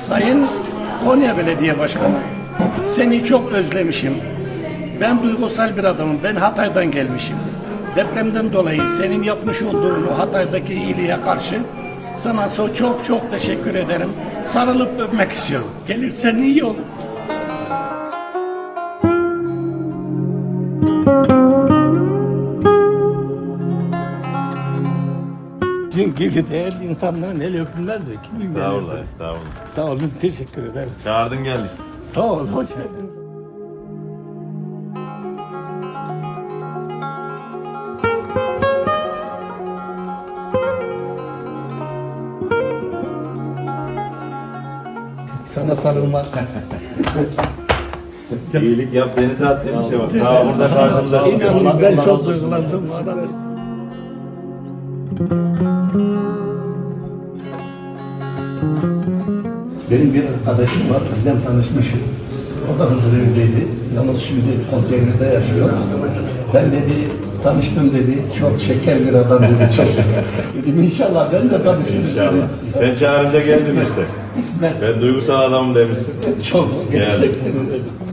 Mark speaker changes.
Speaker 1: Sayın Konya Belediye Başkanı, seni çok özlemişim. Ben duygusal bir adamım. Ben Hatay'dan gelmişim. Depremden dolayı senin yapmış olduğun o Hatay'daki iyiliğe karşı sana çok çok teşekkür ederim. Sarılıp öpmek istiyorum. Gelirsen iyi olur. Sizin gibi değerli insanların el öpümler de kim bilir.
Speaker 2: Sağ olun, sağ olun.
Speaker 1: Sağ olun, teşekkür ederim.
Speaker 2: Çağırdın geldik.
Speaker 1: Sağ olun, hoş geldiniz. Sana sarılmak.
Speaker 2: İyilik yap, denize at diye bir şey var. Daha burada karşımıza çıkıyor.
Speaker 1: İnanın ben çok duygulandım. Arada. Benim bir arkadaşım var, bizden tanışmışım. O da huzurevindeydi. Yalnız şimdi konteynerde yaşıyor. Ben dedi, tanıştım dedi, çok şeker bir adam dedi, çok şeker. Dedim inşallah ben de tanışırım.
Speaker 2: İnşallah. Sen çağırınca geldin işte.
Speaker 1: İsmet.
Speaker 2: Ben duygusal adamım demişsin.
Speaker 1: Çok gerçekten öyle.